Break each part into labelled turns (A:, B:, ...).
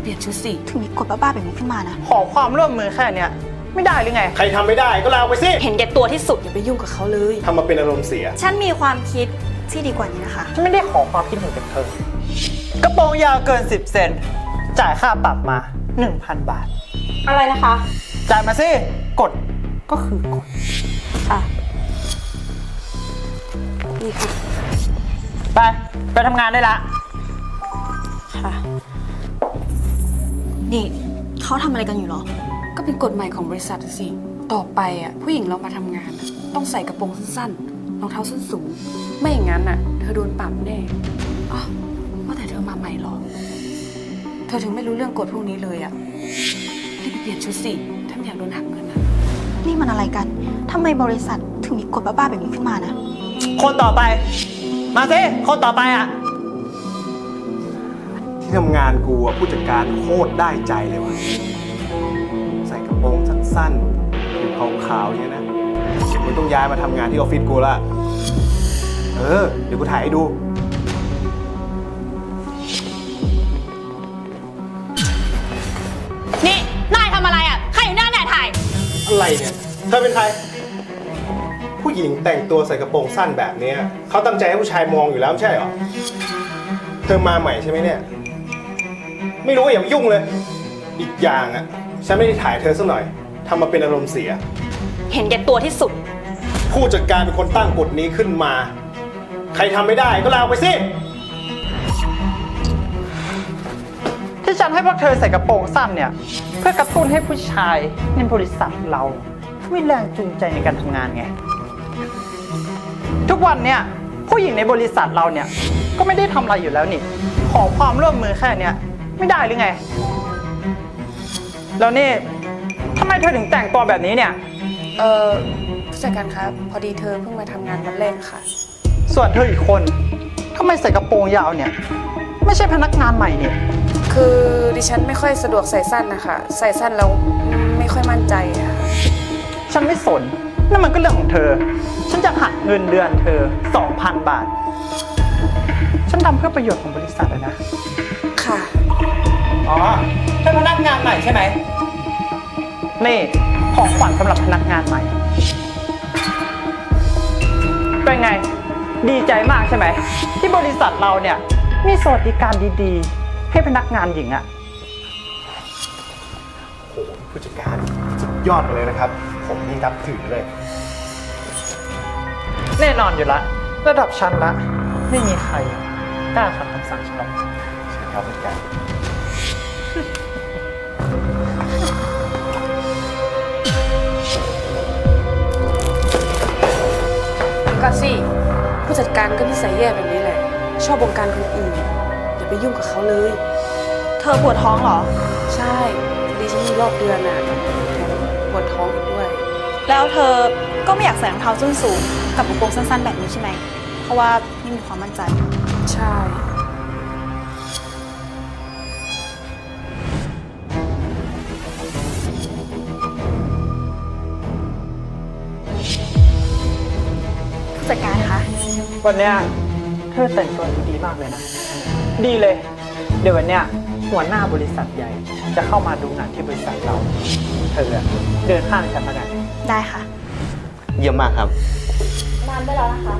A: เปลี่ยนชุดสิ
B: ถึงมีกฎบ้าๆแบบนี้ขึ้นมานะ
C: ขอความร่วมมือแค่เนี้ยไม่ได้หรือไง
D: ใครทำไม่ได้ก็ลาไปสิ
A: เห็นแก่ตัวที่สุดอย่าไปยุ่งกับเขาเลย
D: ทำมาเป็นอารมณ์เสีย
B: ฉันมีความคิดที่ดีกว่านี้นะคะ
C: ฉันไม่ได้ขอความคิดเห็นจากเธอกระโปรงยาวเกิน10 เซนจ่ายค่าปรับมา 1,000 บาท
A: อะไรนะคะ
C: จ่ายมาสิกฎก็คือกฎ
A: ค่ะนี่ค่ะ
C: ไปทำงานได้ละ
A: ค่ะ
B: นี่เขาทำอะไรกันอยู่หรอ
A: ก็เป็นกฎใหม่ของบริษัทสิต่อไปผู้หญิงเรามาทำงานต้องใส่กระโปรงสั้นๆรองเท้าส้นสูงไม่อย่างนั้นเธอโดนปรับแน่อ๋อว่าแต่เธอมาใหม่หรอเธอถึงไม่รู้เรื่องกฎพวกนี้เลยรีบไปเปลี่ยนชุดสิถ้าไม่อยากโดนหักเงิน
B: นี่มันอะไรกันทำไมบริษัทถึงมีกฎบ้าๆแบบนี้ขึ้นมานะ
C: คนต่อไปมาสิคนต่อไป
D: ที่ทำงานกูผู้จัดการโคตรได้ใจเลยว่ะใส่กระโปรงสั้นๆผิวขาวๆเนี่ยนะมึงต้องย้ายมาทำงานที่ออฟฟิศกูละเดี๋ยวกูถ่ายให้ดู
A: นี่นายทำอะไรใครอยู่หน้าแหน่ถ่าย
D: อะไรเนี่ยเธอเป็นใครผู้หญิงแต่งตัวใส่กระโปรงสั้นแบบนี้เขาตั้งใจให้ผู้ชายมองอยู่แล้วไม่ใช่เหรอเธอมาใหม่ใช่ไหมเนี่ยไม่รู้อย่ามายุ่งเลยอีกอย่างฉันไม่ได้ถ่ายเธอสักหน่อยทำมาเป็นอารมณ์เสีย
A: เห็นแก่ตัวที่สุด
D: ผู้จัดการเป็นคนตั้งกฎนี้ขึ้นมาใครทำไม่ได้ก็ลาออกไปสิ
C: ที่ฉันให้พวกเธอใส่กระโปรงสั้นเนี่ยเพื่อกระตุ้นให้ผู้ชายในบริษัทเรามีแรงจูงใจในการทำงานไงทุกวันเนี่ยผู้หญิงในบริษัทเราเนี่ยก็ไม่ได้ทำอะไรอยู่แล้วนี่ขอความร่วมมือแค่เนี้ยไม่ได้หรือไงแล้วนี่ทำไมเธอถึงแต่งตัวแบบนี้เนี่ย
A: ผู้จัดการครับพอดีเธอเพิ่งมาทำงานวันแรกค่ะ
C: ส่วนเธออีกคนทำไมใส่กระโปรงยาวเนี่ยไม่ใช่พนักงานใหม่เนี่ย
A: คือดิฉันไม่ค่อยสะดวกใส่สั้นนะคะใส่สั้นแล้วไม่ค่อยมั่นใจค่ะ
C: ฉันไม่สนนั่นมันก็เรื่องของเธอฉันจะหักเงินเดือนเธอ 2,000 บาทฉันทำเพื่อประโยชน์ของบริษัทนะ
A: ค่ะ
C: อ๋อเป็นพนักงานใหม่ใช่ไหมนี่ของขวัญสำหรับพนักงานใหม่เป็นไงดีใจมากใช่ไหมที่บริษัทเราเนี่ยมีสวัสดิการดีๆให้พนักงานหญิง
D: โอ้โหผู้จัดการสุดยอดเลยนะครับผมนี่นับถือเลย
C: แน่นอนอยู่ละระดับชั้นละไม่มีใครกล้าขัดคำสั่งฉันหรอก
D: ใช่ครับผู้จัดการ
A: ก็สิผู้จัดการก็นิสัยแย่แบบนี้แหละชอบบงการคนอื่นอย่าไปยุ่งกับเขาเลย
B: เธอปวดท้องเหรอ
A: ใช่ดิฉันมีรอบเดือนแถมปวดท้องอีกด้วย
B: แล้วเธอก็ไม่อยากใส่รองเท้าส้นสูงกับกระโปรงสั้นๆแบบนี้ใช่ไหมเพราะว่าไม่มีความมั่นใจ
A: ใช่
B: ผู้จัดการคะ
C: วันเนี้ยเธอแต่งตัวดีมากเลยนะดีเลยเดี๋ยววันเนี้ยหัวหน้าบริษัทใหญ่จะเข้ามาดูงานที่บริษัทเราเธอเดินข้างฉันมากัน
B: ได้ค่ะ
D: เยี่ยมมากครับ
B: น้ำได้แล้วนะคะ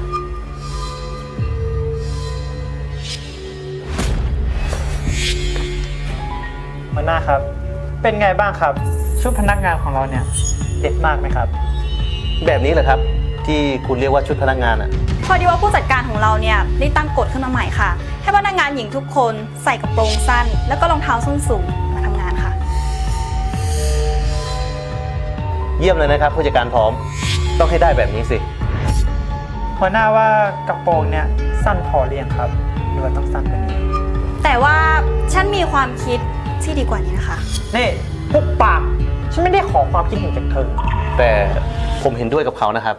C: หัวหน้าครับเป็นไงบ้างครับชุดพนักงานของเราเนี่ยเด็ดมากไหมครับ
E: แบบนี้เหรอครับที่คุณเรียกว่าชุดพนักงาน
B: พอดีว่าผู้จัดการของเราเนี่ยได้ตั้งกฎขึ้นมาใหม่ค่ะให้พนักงานหญิงทุกคนใส่กระโปรงสั้นแล้วก็รองเท้าส้นสูงมาทำงานค่ะ
E: เยี่ยมเลยนะครับผู้จัดการพร้อมต้องให้ได้แบบนี้สิ
C: หัวหน้าว่ากระโปรงเนี่ยสั้นพอเรียงครับหรือว่าต้องสั้นกว่านี้
B: แต่ว่าฉันมีความคิดที่ดีกว่านี้นะคะ
C: นี่พวกปากฉันไม่ได้ขอความคิดเห็นจากเธอ
E: แต่ผมเห็นด้วยกับเขานะครับ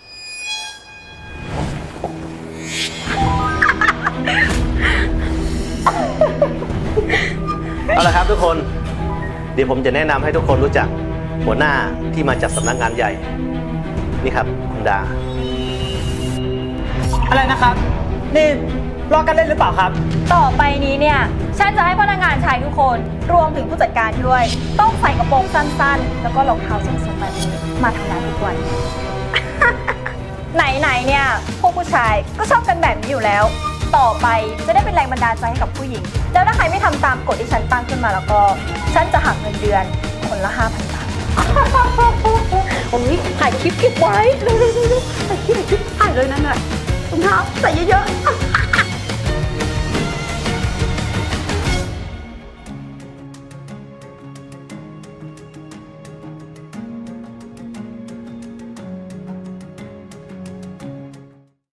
E: เอาละครับทุกคนเดี๋ยวผมจะแนะนำให้ทุกคนรู้จักหัวหน้าที่มาจากสำนักงานใหญ่นี่ครับคุณดา
C: อะไรนะครับนี่รอกันเล่นหรือเปล่าครับ
B: ต่อไปนี้เนี่ย ฉันจะให้พนักงานชายทุกคน รวมถึงผู้จัดการด้วย ต้องใส่กระโปรงสั้นๆ แล้วก็รองเท้าส้นสูงแบบนี้มาทำงานทุกวัน ไหนๆเนี่ย พวกผู้ชายก็ชอบกันแบบนี้อยู่แล้ว ต่อไปจะได้เป็นแรงบันดาลใจให้กับผู้หญิง แล้วถ้าใครไม่ทำตามกฎที่ฉันตั้งขึ้นมาแล้วก็ ฉันจะหักเงินเดือนคนละ 5,000 บาท
A: โอ้ยถ่ายคลิปเก็บไว้เร็วๆๆๆถ่ายคลิปถ่ายเลยนั่นน่ะรองเท้าใส่เยอะๆ